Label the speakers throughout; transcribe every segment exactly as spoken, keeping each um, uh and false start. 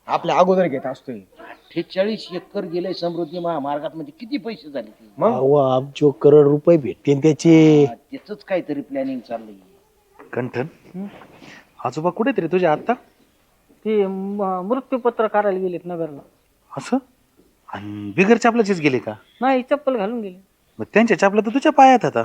Speaker 1: आपल्या अगोदर घेत असतोय.
Speaker 2: अठ्ठेचाळीस एकर गेले समृद्धी महामार्गात, म्हणजे किती पैसे झाले ते?
Speaker 1: मग
Speaker 3: अहो अब्जो करोड रुपये भेटतील त्याचे.
Speaker 2: त्याच काहीतरी प्लॅनिंग चाललंय.
Speaker 4: कंठन आजोबा कुठे तरी तुझ्या आता
Speaker 5: ते म- मृत्यूपत्र करायला गेलेत नगरला.
Speaker 4: असं आणि बिगर चपलाचीच गेले का?
Speaker 5: नाही चप्पल घालून गेले.
Speaker 4: मग त्यांच्या चपला तर तुझ्या पायात आता.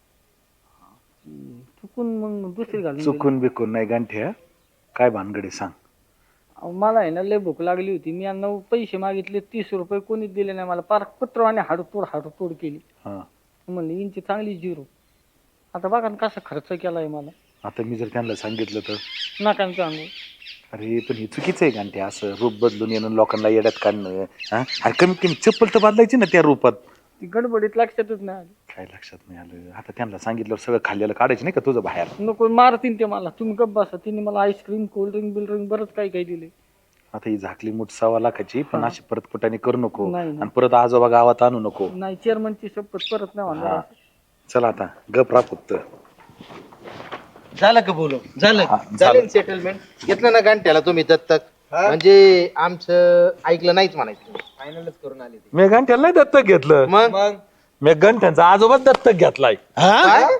Speaker 5: चुकून मग दुसरी घालून गेले.
Speaker 4: चुकून बिकून नाही गांठ्या, काय भानगडे सांग.
Speaker 5: अहो, मला आहे ना लय भूक लागली होती. मी यांना पैसे मागितले तीस रुपये, कोणीच दिले नाही मला. पार कुत्रवाने हाडतोड हाडतोड केली.
Speaker 4: हा
Speaker 5: म्हणलं यांची चांगली झिरो. आता बघा ना कसा खर्च केलाय मला.
Speaker 4: आता मी जर त्यांना सांगितलं तर
Speaker 5: नाकान सांगू.
Speaker 4: अरे पण हे चुकीचं आहे गांठ्या, असं रूप बदलून येणं लोकांना येड्यात काढणं. हा अरे कमीत कमी चप्पल तर बदलायची ना त्या रूपात.
Speaker 5: ती गडबडीत लक्षातच नाही आलं.
Speaker 4: काय लक्षात नाही आलं. आता त्यांना सांगितल्यावर सगळं खाल्लेलं काढायचं नाही का तुझं बाहेर.
Speaker 5: नको मारतीन ते मला. तुम्ही गप्प बसा. तिने मला आईस्क्रीम कोल्ड्रिंक बिल्ड्रिंक बरंच काही काही दिले.
Speaker 4: आता ही झाकली मूठ सव्वा लाखाची, पण अशी परत कुठाने करू नको
Speaker 5: नाही, नाही.
Speaker 4: आणि परत आजोबा गावात आणू नको.
Speaker 5: नाही चेअरमनची शपथ परत नाही
Speaker 4: हा.
Speaker 5: म्हणणार.
Speaker 4: चला आता गप राहा फक्त.
Speaker 6: झालं का बोलू? झालं
Speaker 4: हा,
Speaker 6: झालं
Speaker 4: झालं.
Speaker 6: सेटलमेंट घेतलं ना गांठ्याला तुम्ही दत्तक? म्हणजे आमचं ऐकलं नाहीच म्हणायचं. फायनलच करून आले ते.
Speaker 4: मी गंठ्याला नाही दत्तक घेतलं.
Speaker 6: मग
Speaker 4: मी गंठ्यांचा आजोबाच दत्तक घेतलाय.
Speaker 6: काय?